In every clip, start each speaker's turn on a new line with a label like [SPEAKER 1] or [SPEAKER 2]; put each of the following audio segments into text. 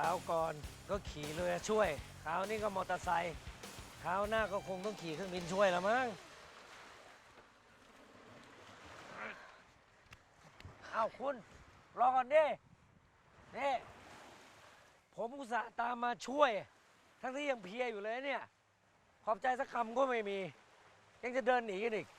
[SPEAKER 1] าวก่อนก็ขี่เรือช่วยคราวนี้ก็มอเตอร์ไซค์คราวหน้าก็คงต้องขี่เครื่องบินช่วยละมั้งเอาคุณรอก่อนดินี่ผมอุตส่าห์ตามมาช่วย ทั้งที่ยังเพลียอยู่เลยเนี่ย ขอบใจสักคำก็ไม่มี ยังจะเดินหนีกันอีก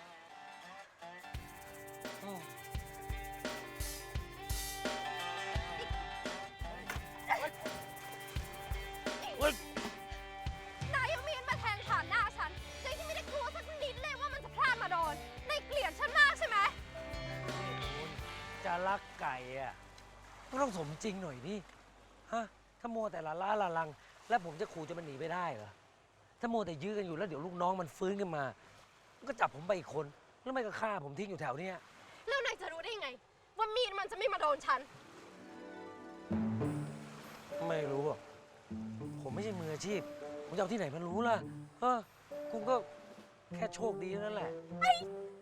[SPEAKER 2] นายเอามีดมาแทงผ่านหน้าฉันโดยที่ไม่ได้กลัวสักนิดเลยว่ามันจะพลาดมาโดนนายเกลียดฉันมากใช่ไหม
[SPEAKER 1] คุณจะรักไก่อะก็ต้องสมจริงหน่อยดิฮะถ้ามัวแต่ละล้าละลัง แล้วผมจะขู่จะมันหนีไปได้เหรอถ้ามัวแต่ยื้อกันอยู่แล้วเดี๋ยวลูกน้องมันฟื้นขึ้นมามันก็จับผมไปอีกคนแล้วไม่ก็ฆ่าผมทิ้งอยู่แถวเนี้ย
[SPEAKER 2] แล้วนายจะรู้ได้ยังไง ว่ามีดมันจะไม่มาโดนฉัน
[SPEAKER 1] ไม่รู้อะผมไม่ใช่มืออาชีพผมจะเอาที่ไหนมันรู้ล่ะคุณก็แค่โชคดีนั่นแหละเฮ้ย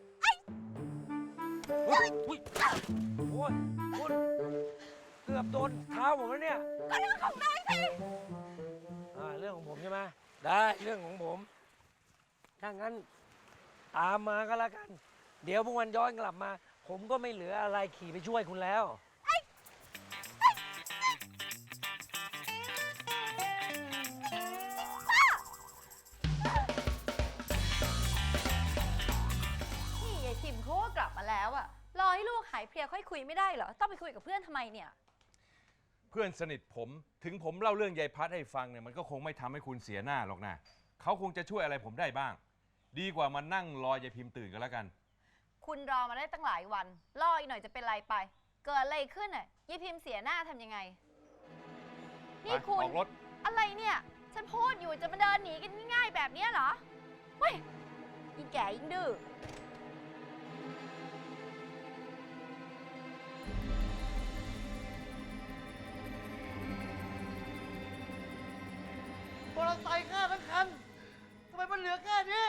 [SPEAKER 1] โอ้ยคุณเกือบโดนเท้าผมแล้วเนี่ย
[SPEAKER 2] ก็เรื่องของนายสิ
[SPEAKER 1] เรื่องของผมใช่ไหมได้เรื่องของผมถ้างั้นตามมาก็แล้วกัน เดี๋ยวพวกมันย้อนกลับมา ผมก็ไม่เหลืออะไรขี่ไปช่วยคุณแล้ว
[SPEAKER 3] นี่ยายพิมพ์เขาก็กลับมาแล้วอะรอให้ลูกหายเพลียค่อยคุยไม่ได้เหรอ ต้องไปคุยกับเพื่อนทำไมเนี่ย
[SPEAKER 4] เพื่อนสนิทผมถึงผมเล่าเรื่องยายพัดให้ฟังเนี่ยมันก็คงไม่ทำให้คุณเสียหน้าหรอกนะเขาคงจะช่วยอะไรผมได้บ้าง ดีกว่ามานั่งรอยายพิมพ์ตื่นกันแล้วกัน
[SPEAKER 3] คุณรอมาได้ตั้งหลายวันรออีกหน่อยจะเป็นไรไป เกิดอะไรขึ้นอะยายพิมพ์เสียหน้าทำยังไง นี่คุณ
[SPEAKER 4] ออกรถ
[SPEAKER 3] อะไรเนี่ย ฉันพูดอยู่จะมาเดินหนีกันง่ายๆแบบเนี้ยเหรอเว้ยยิ่งแก่ยิ่งดื้อ
[SPEAKER 5] มอเตอร์ไซค์ฆ่าทั้งคัน ทำไมมันเหลือแค่นี้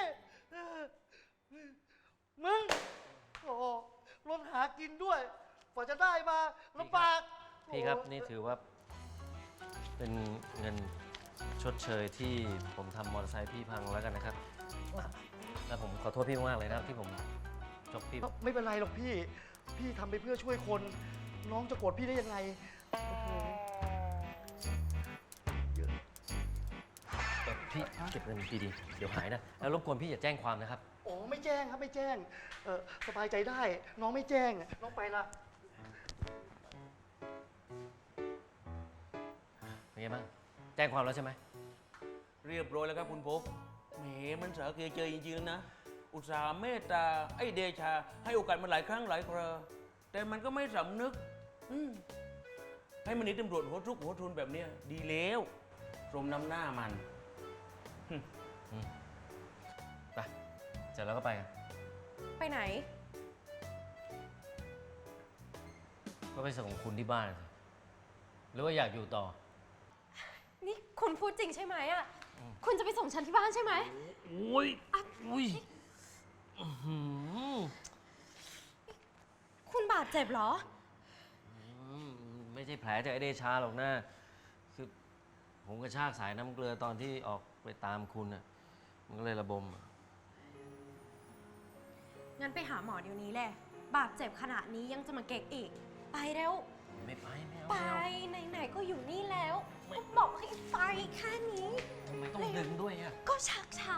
[SPEAKER 5] มึง โอ้โหรถหากินด้วยกว่าจะได้มาลำบาก
[SPEAKER 1] พี่ครับ
[SPEAKER 5] โอ้โห
[SPEAKER 1] นี่ถือว่าเป็นเงินชดเชยที่ผมทำมอเตอร์ไซค์พี่พังแล้วกันนะครับ แล้วผมขอโทษพี่มากเลยนะครับที่ผมจบพี่
[SPEAKER 5] ไม่เป็นไรหรอกพี่ พี่ทำไปเพื่อช่วยคน น้องจะโกรธพี่ได้ยังไงโอ้โหเยอะ
[SPEAKER 1] พี่เก็บเงินดีๆเดี๋ยวหายนะ แล้วรบกวนพี่อย่าแจ้งความนะครับ
[SPEAKER 5] อ๋อไม่แจ้งครับไม่แจ้ง สบายใจได้ น้องไม่แจ้ง น้องไปละ
[SPEAKER 1] เป็นไงบ้าง แจ้งความแล้วใช่ไหม
[SPEAKER 6] เรียบร้อยแล้วครับคุณพบแหมมันสาเกเจอจริงๆนะ อุตส่าห์เมตตาไอ้เดชา ให้โอกาสมันหลายครั้งหลายคราแต่มันก็ไม่สำนึกให้มันหนีตำรวจหัวทุกข์หัวทุนแบบเนี้ยดีแล้วสมน้ำหน้ามัน
[SPEAKER 1] ไปเสร็จแล้วก็ไปกัน
[SPEAKER 2] ไปไหน
[SPEAKER 1] ก็ไปส่งคุณที่บ้านสิหรือว่าอยากอยู่ต่อ
[SPEAKER 2] นี่คุณพูดจริงใช่ไหมอะคุณจะไปส่งฉันที่บ้านใช่ไหม
[SPEAKER 1] โอ้ยอุ้ยอื้อหือ
[SPEAKER 2] คุณบาดเจ็บเหรอ
[SPEAKER 1] ไม่ใช่แผลจากไอเดชาหรอกนะคือผมกระชากสายน้ำเกลือตอนที่ออกไปตามคุณน่ะ มันก็เลยระบมอะ
[SPEAKER 2] งั้นไปหาหมอเดี๋ยวนี้แหละ บาดเจ็บขนาดนี้ยังจะมาเก๊กอีก ไปเร็ว
[SPEAKER 1] ไม่ไปไม่เอา
[SPEAKER 2] ไป
[SPEAKER 1] ไม่เอา
[SPEAKER 2] ไหนๆก็อยู่นี่แล้วก็บอกให้ไปแค่นี้
[SPEAKER 1] ทำไมต้องดึงด้วยอ่ะ
[SPEAKER 2] ก็ชักช้า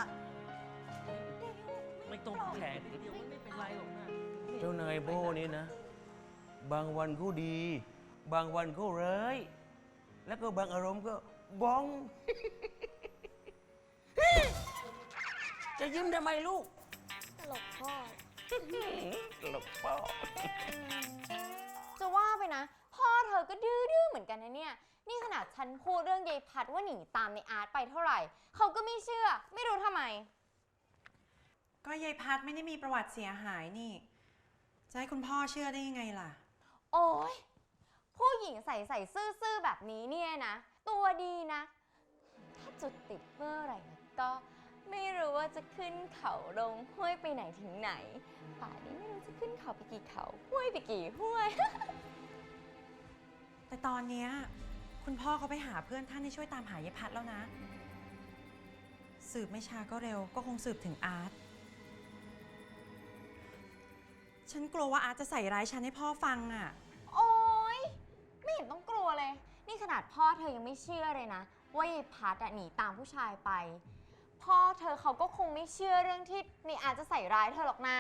[SPEAKER 1] ไม่ต้องแผลนิดเดียวมันไม่เป็นไรหรอกนะ
[SPEAKER 6] เจ้านายโบนี่นะ บางวันก็ดี บางวันก็ร้ายแล้วก็บางอารมณ์ก็บ้อง จะยิ้มทำไมลูก
[SPEAKER 2] ตลกพ่อ
[SPEAKER 6] ตลกพ่อ
[SPEAKER 7] จะว่าไปนะ พ่อเธอก็ดื้อเหมือนกันนะเนี่ย นี่ขนาดฉันพูดเรื่องยายพัดว่าหนีตามในอาร์ตไปเท่าไหร่ เขาก็ไม่เชื่อ ไม่รู้ทำไม
[SPEAKER 8] ก็ยายพัดไม่ได้มีประวัติเสียหายนี่ จะให้คุณพ่อเชื่อได้ยังไงล่ะ
[SPEAKER 7] โอ้ยผู้หญิงใส่ซื่อๆแบบนี้เนี่ยนะ ตัวดีนะ ถ้าจุดติดเมื่อไหร่นะก็ไม่รู้ว่าจะขึ้นเขาลงห้วยไปไหนถึงไหน ป่านนี้ไม่รู้จะขึ้นเขาไปกี่เขาห้วยไปกี่ห้วย
[SPEAKER 8] แต่ตอนเนี้ยคุณพ่อเขาไปหาเพื่อนท่านให้ช่วยตามหายายพัดแล้วนะ สืบไม่ช้าก็เร็วก็คงสืบถึงอาร์ต ฉันกลัวว่าอาร์ตจะใส่ร้ายฉันให้พ่อฟังอ่ะ
[SPEAKER 7] โอ๊ย ไม่เห็นต้องกลัวเลย นี่ขนาดพ่อเธอยังไม่เชื่อเลยนะ ว่ายายพัดหนีตามผู้ชายไป พ่อเธอเขาก็คงไม่เชื่อเรื่องที่นี่อาจจะใส่ร้ายเธอหรอกนะ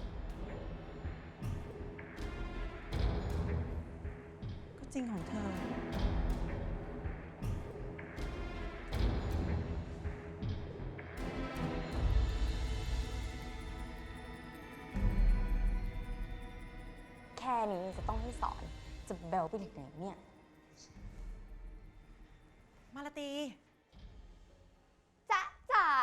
[SPEAKER 8] ก็จริงของเธอ
[SPEAKER 7] แค่นี้จะต้องให้สอน จะเบลไปถึงไหนเนี่ย
[SPEAKER 8] มาลาตี
[SPEAKER 7] จ๊ะจ๋า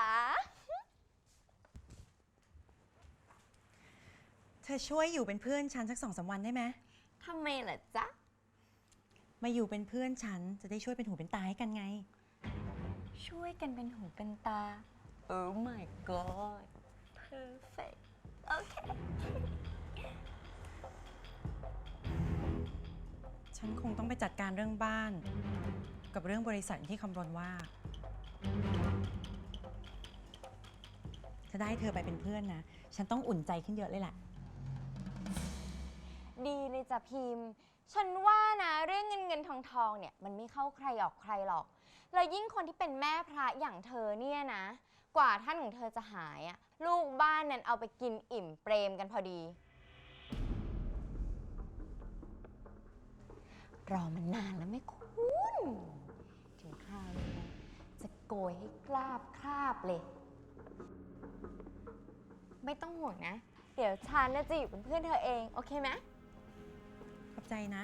[SPEAKER 8] เธอช่วยอยู่เป็นเพื่อนฉันสัก2-3 วันได้ไหม
[SPEAKER 7] ทำไมล่ะจ๊ะ
[SPEAKER 8] มาอยู่เป็นเพื่อนฉันจะได้ช่วยเป็นหูเป็นตาให้กันไง
[SPEAKER 7] ช่วยกันเป็นหูเป็นตา Oh my god perfect โอเค
[SPEAKER 8] ฉันคงต้องไปจัดการเรื่องบ้าน กับเรื่องบริษัทที่คำรณว่า ถ้าได้เธอไปเป็นเพื่อนนะ ฉันต้องอุ่นใจขึ้นเยอะเลยแหละ
[SPEAKER 7] ดีเลยจ้ะพิมพ์ ฉันว่านะเรื่องเงินทองเนี่ยมันไม่เข้าใครออกใครหรอก แล้วยิ่งคนที่เป็นแม่พระอย่างเธอเนี่ยนะ กว่าท่านของเธอจะหายอะลูกบ้านนั้นเอาไปกินอิ่มเปรมกันพอดี รอมันนานแล้วไหม่คุณ ถึงคราวนี้นะจะโกยให้กราบคราบเลย ไม่ต้องห่วงนะ เดี๋ยวฉันจะอยู่เป็นเพื่อนเธอเอง โอเคไหม
[SPEAKER 8] ขอบใจนะ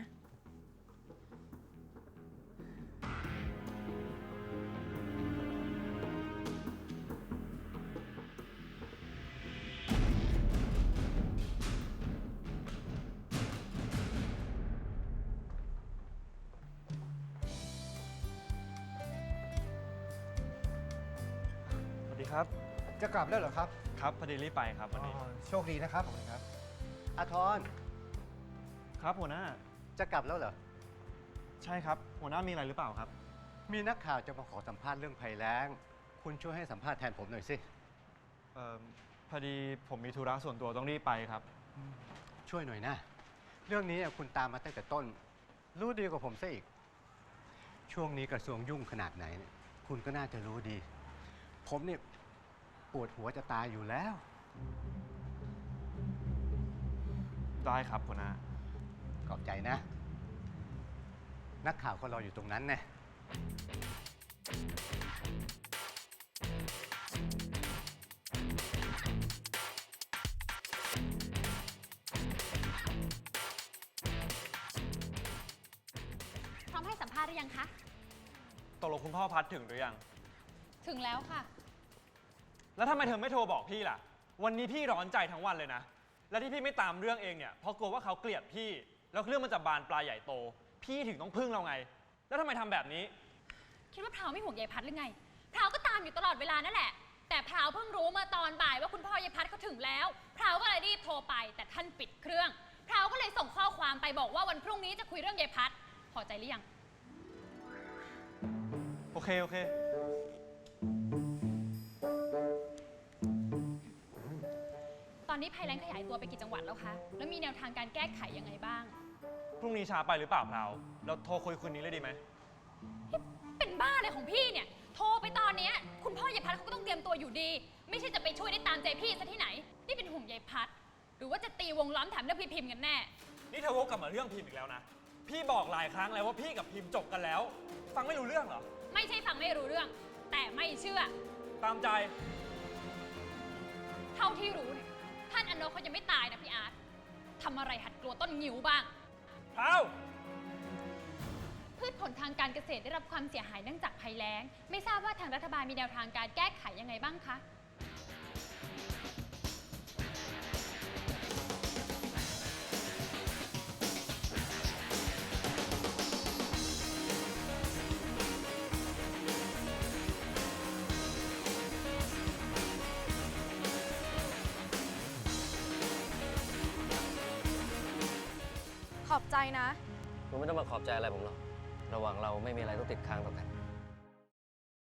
[SPEAKER 9] สวัสดีครับ
[SPEAKER 5] จะกลับแล้วเหรอครับ
[SPEAKER 9] ครับพอดีรีบไปครับวันนี้
[SPEAKER 5] โชคดีนะครับขอบคุณครับอาทร
[SPEAKER 9] ครับหัวหน้า
[SPEAKER 5] จะกลับแล้วเหรอ
[SPEAKER 9] ใช่ครับ หัวหน้ามีอะไรหรือเปล่าครับ
[SPEAKER 5] มีนักข่าวจะมาขอสัมภาษณ์เรื่องภัยแล้ง คุณช่วยให้สัมภาษณ์แทนผมหน่อยสิ
[SPEAKER 9] พอดีผมมีธุระส่วนตัวต้องรีบไปครับ
[SPEAKER 5] ช่วยหน่อยนะ เรื่องนี้คุณตามมาตั้งแต่ต้น รู้ดีกว่าผมซะอีก ช่วงนี้กระทรวงยุ่งขนาดไหนเนี่ยคุณก็น่าจะรู้ดี ผมเนี่ยปวดหัวจะตายอยู่แล้ว
[SPEAKER 9] ได้ครับหัวหน้า
[SPEAKER 5] ขอบใจนะ นักข่าวก็รออยู่ตรงนั้นแน่
[SPEAKER 2] พร้อมให้สัมภาษณ์หรือยังคะ
[SPEAKER 9] ตกลงคุณพ่อพัดถึงหรือยัง
[SPEAKER 2] ถึงแล้วค่ะ
[SPEAKER 9] แล้วทำไมเธอไม่โทรบอกพี่ล่ะ วันนี้พี่ร้อนใจทั้งวันเลยนะ และที่พี่ไม่ตามเรื่องเองเนี่ย เพราะกลัวว่าเขาเกลียดพี่ แล้วเรื่องมันจะบานปลายใหญ่โต พี่ถึงต้องพึ่งเราไง แล้วทำไมทำแบบนี้
[SPEAKER 10] คิดว่าพราวไม่ห่วงยายพัดหรือไง พราวก็ตามอยู่ตลอดเวลานั่นแหละ แต่พราวเพิ่งรู้มาตอนบ่ายว่าคุณพ่อยายพัดเขาถึงแล้ว พราวก็เลยรีบโทรไป แต่ท่านปิดเครื่อง พราวก็เลยส่งข้อความไปบอกว่าวันพรุ่งนี้จะคุยเรื่องยายพัด พอใจหรือยัง
[SPEAKER 9] โอเค โอเค
[SPEAKER 10] ตอนนี้ภัยแล้งขยายตัวไปกี่จังหวัดแล้วคะ แล้วมีแนวทางการแก้ไขยังไงบ้าง
[SPEAKER 9] พรุ่งนี้ช้าไปหรือเปล่าพราว เราโทรคุยคืนนี้เลยดีไหม
[SPEAKER 10] เป็นบ้าเลยของพี่เนี่ย โทรไปตอนเนี้ยคุณพ่อยายพัดเขาก็ต้องเตรียมตัวอยู่ดี ไม่ใช่จะไปช่วยได้ตามใจพี่ซะที่ไหน นี่เป็นห่วงยายพัด หรือว่าจะตีวงล้อมแถมเรื่องพี่พิมพ์กันแน่
[SPEAKER 9] นี่เธอวกกลับมาเรื่องพิมพ์อีกแล้วนะ พี่บอกหลายครั้งแล้วว่าพี่กับพิมพ์จบกันแล้ว ฟังไม่รู้เรื่องเหรอ
[SPEAKER 10] ไม่ใช่ฟังไม่รู้เรื่อง แต่ไม่เชื่อ
[SPEAKER 9] ตามใจ
[SPEAKER 10] เท่าที่รู้เนี่ยท่านอโนเขายังไม่ตายนะพี่อาร์ตทำอะไรหัดกลัวต้นงิ้วบ้าง
[SPEAKER 9] พราว
[SPEAKER 10] พืชผลทางการเกษตรได้รับความเสียหายเนื่องจากภัยแล้ง ไม่ทราบว่าทางรัฐบาลมีแนวทางการแก้ไขยังไงบ้างคะ
[SPEAKER 2] ขอบใจนะ
[SPEAKER 11] คุณไม่ต้องมาขอบใจอะไรผมหรอก
[SPEAKER 1] ระหว่างเราไม่มีอะไรต้องติดค้างต่อกัน